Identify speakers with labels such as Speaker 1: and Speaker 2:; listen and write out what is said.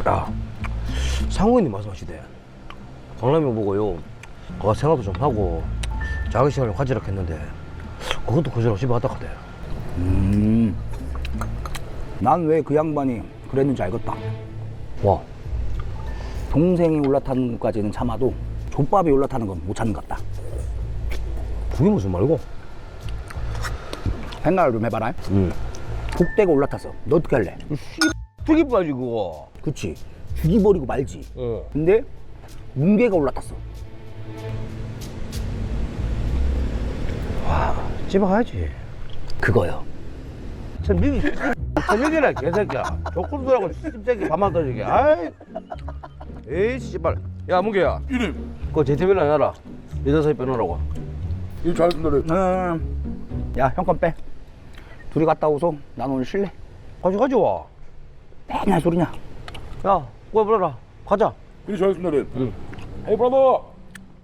Speaker 1: 야, 상호님 말씀하시대. 강남이 보고요. 그가 생각도 좀 하고 자기 시간을 가지라 했는데 그것도 그저로 집에 갔다 가대.
Speaker 2: 난 왜 그 양반이 그랬는지 알겠다.
Speaker 1: 와,
Speaker 2: 동생이 올라타는 것까지는 참아도 족밥이 올라타는 건 못 참는 것 같다.
Speaker 1: 그게 무슨 말이고?
Speaker 2: 생각을 좀 해봐라. 복대가 올라탔어. 너 어떻게 할래?
Speaker 1: 죽이 빠지 그거.
Speaker 2: 그치. 죽이버리고 말지. 근데 뭉개가 올라탔어.
Speaker 1: 와, 집에 가야지.
Speaker 2: 그거요.
Speaker 1: 참 미기 저녁이라 개새끼야. 조건들하고 씹새끼 밥만 떠지게. 아이, 에이 씨발. 야 문개야.
Speaker 3: 이름.
Speaker 1: 그거 제트빌라 해놔라. 여자사이 빼놓으라고.
Speaker 3: 일 잘했습니다.
Speaker 2: 야, 형 건 빼. 둘이 갔다 오소. 난 오늘 쉴래.
Speaker 1: 가져와.
Speaker 2: 맨날 소리냐.
Speaker 1: 야, 꼬야 불러라. 가자.
Speaker 3: 일 잘했습니다. 헤이 브라더.